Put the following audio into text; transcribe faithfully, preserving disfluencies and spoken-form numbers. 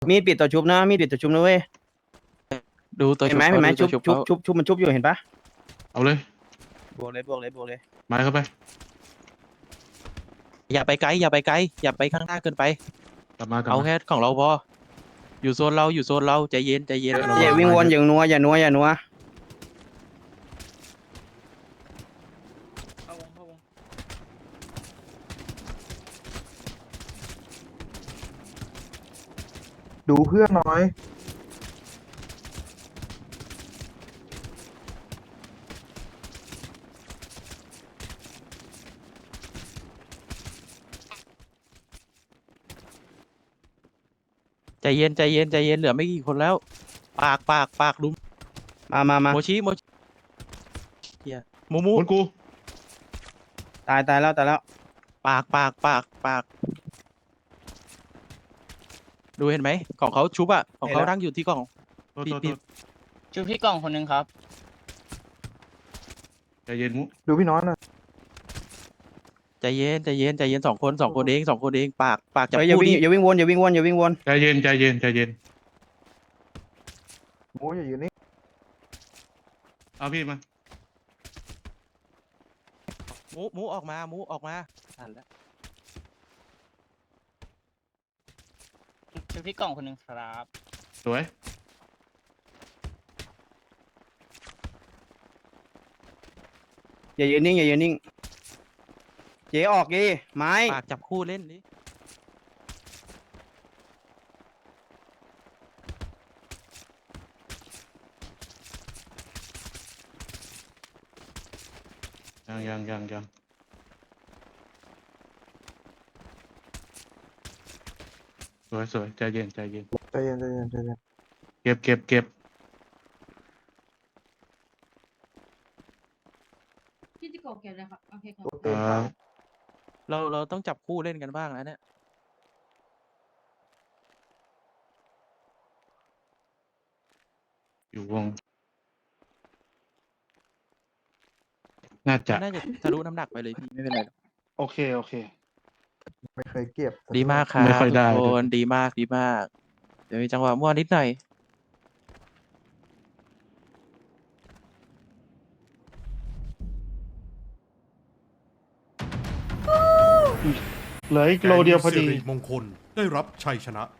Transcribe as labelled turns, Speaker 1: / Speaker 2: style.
Speaker 1: มีดปิดตัวชุบนะมีดปิดตัวชุบนะเว้ย
Speaker 2: ดูตัว
Speaker 1: เห็
Speaker 2: ชุ
Speaker 1: น
Speaker 2: บ
Speaker 1: ไหมเห็นไหม
Speaker 2: ขา
Speaker 1: ชุบ
Speaker 2: ดู
Speaker 1: ชุ
Speaker 2: ตัว
Speaker 1: บชุบชุบมันชุบอยู่เห็นปะ
Speaker 3: เอาเลย
Speaker 1: บวกเลยบวกเลยบวกเลย
Speaker 3: ไม้เข้าไป
Speaker 2: อย่าไปไกลอย่าไปไกลอย่าไปข้างหน้าเกินไป
Speaker 3: กลับมากลับ
Speaker 2: เอา
Speaker 3: มา
Speaker 2: แค่ของเราพออยู่โซนเราอยู่โซนเราใจเย็นใจเย็น
Speaker 1: อย่าวิ่งวนอย่างนัวอย่านัวอย่านัว
Speaker 4: ดูเพื่อนน้อย
Speaker 2: ใจเย็นใจเย็นใจเย็นเหลือไม่กี่คนแล้ว ปากปากปากลุม
Speaker 1: มามามา
Speaker 2: โมชิโมชิเฮียมูมู
Speaker 3: คนกู
Speaker 1: ตายตายแล้วตายแล้ว
Speaker 2: ปากปากปากปากดูเห็นไหมของเขาชุบอะของเขานั่งอยู่ที่กล่อง
Speaker 3: โทษ
Speaker 2: พี่
Speaker 3: โทษ
Speaker 2: พี่
Speaker 3: โทษ
Speaker 5: ชูพี่กล่องคนหนึ่งครับ
Speaker 3: ใจเย็นมุ
Speaker 4: ดูพี่น้อยหน่อย
Speaker 2: ใจเย็นใจเย็นใจเย็นสองคนสองคนเองสองคนเองปากปากจับ
Speaker 1: เฮ้ยอย่า
Speaker 2: คู่
Speaker 1: วิ่ง
Speaker 2: ดิ
Speaker 1: อย่าวิ่งวนอย่าวิ่งวนอย่าวิ่งวน
Speaker 3: ใจเย็นใจเย็นใจเย็น
Speaker 4: หมูอย่าอยู่นี่
Speaker 3: เอาพี่มา
Speaker 2: หมูหมูออกมาหมูออกมาอ่านแล้ว
Speaker 5: ชูพี่กล่องคนหนึ่งครับ
Speaker 3: สวย
Speaker 1: อย่ายืนนิ่งอย่ายืนนิ่งเจ๊ออกดิไม้
Speaker 2: ปากจับคู่เล่นดิ
Speaker 3: ยังยังยังยังสวยสวยใจเย็นใจเย็น
Speaker 4: ใจเย็นใจเย็นใจเย็น
Speaker 3: เก็บเก็บเก็บ
Speaker 6: พี่จิโกะเก็บเลยครับโอเคครับ
Speaker 4: โอเค
Speaker 3: อ่า
Speaker 4: ครับ
Speaker 2: เราเราต้องจับคู่เล่นกันบ้างแล้วเนี่ย
Speaker 3: อยู่วง น่าจะ
Speaker 2: น่าจะทะลุน้ำหนักไปเลยพี่ไม่เป็นไรหรอก
Speaker 3: โอเคโอเค
Speaker 4: ไม่เคยเก็บ
Speaker 2: ดีมากครับ
Speaker 3: ไม่ค่อยได้
Speaker 2: ทุกคนดีมากดีมาก เดี๋ยวมีจังหวะมั่วนิดหน่อย
Speaker 3: เหลืออีกโลเดียวพอดี
Speaker 7: แก๊งสิริมงคลได้รับชัยชนะ